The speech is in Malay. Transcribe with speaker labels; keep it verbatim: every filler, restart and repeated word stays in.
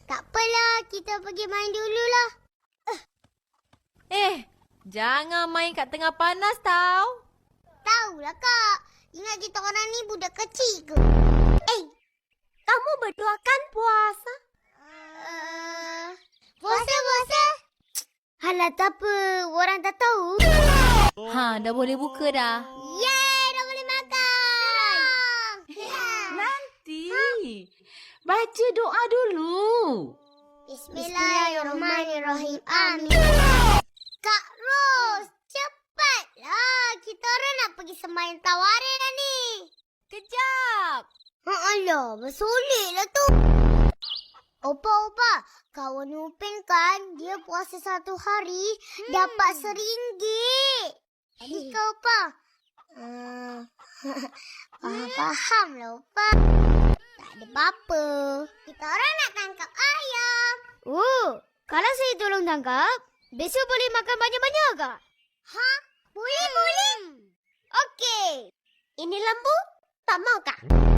Speaker 1: Tak apalah, kita pergi main dululah.
Speaker 2: Eh, jangan main kat tengah panas tau.
Speaker 1: Tahulah kak, ingat kita orang ni budak kecil ke?
Speaker 3: Eh, kamu berdua kan puasa?
Speaker 1: Uh, puasa, puasa. Halah, tak apa. Orang tak tahu.
Speaker 2: Ha, dah boleh buka dah.
Speaker 1: Yeay, dah boleh makan.
Speaker 4: Nanti. Baca doa dulu.
Speaker 1: Bismillahirrahmanirrahim. Amin. Kak Ros, cepatlah. Kita orang nak pergi sembahyang tawarin dah ni.
Speaker 2: Kejap.
Speaker 1: Alah, bersoleklah tu. Opa, opa. Kawan Upin kan, dia puasa satu hari, hmm. dapat seringgit. Jadi kau, opa? Uh, faham lah, opa. Tak ada apa-apa. Kita orang nak tangkap ayam.
Speaker 3: Oh, kalau saya tolong tangkap, besok boleh makan banyak-banyak ke?
Speaker 1: Ha? Boleh, boleh.
Speaker 3: Okey. Ini lembu, tak mau kah?